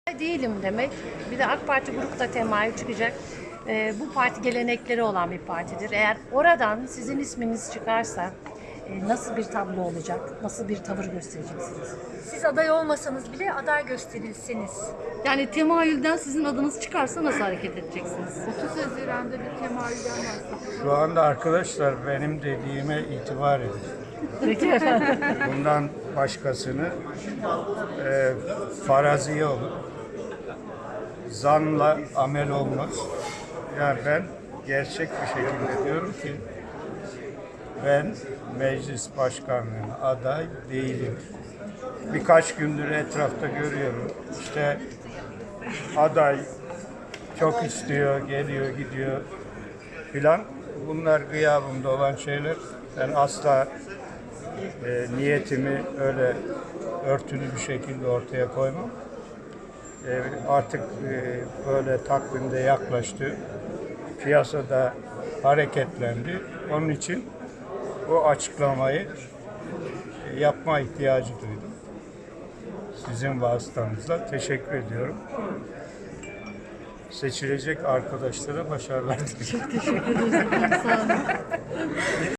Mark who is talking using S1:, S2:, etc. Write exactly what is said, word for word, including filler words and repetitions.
S1: Değilim demek. Bir de AK Parti grupta temayül çıkacak. Ee, bu parti gelenekleri olan bir partidir. Eğer oradan sizin isminiz çıkarsa e, nasıl bir tablo olacak? Nasıl bir tavır göstereceksiniz?
S2: Siz aday olmasanız bile aday gösterilseniz.
S3: Yani temayülden sizin adınız çıkarsa nasıl hareket edeceksiniz?
S4: otuz Haziran'da bir temayülden bahsediyor.
S5: Şu anda arkadaşlar benim dediğime itibar edin.
S1: Peki efendim.
S5: Bundan başkasını e, faraziye olur. Zanla amel olmaz. Yani ben gerçek bir şekilde diyorum ki ben meclis başkanlığına aday değilim. Birkaç gündür etrafta görüyorum. İşte aday çok istiyor, geliyor, gidiyor filan. Bunlar gıyabımda olan şeyler. Ben asla e, niyetimi öyle örtülü bir şekilde ortaya koymam. E, artık e, böyle takvimde yaklaştı. Piyasada hareketlendi. Onun için bu açıklamayı e, yapma ihtiyacı duydum. Sizin vasıtanızla teşekkür ediyorum. Seçilecek arkadaşlara başarılar diliyorum.
S3: Çok teşekkür ederiz. Sağ olun.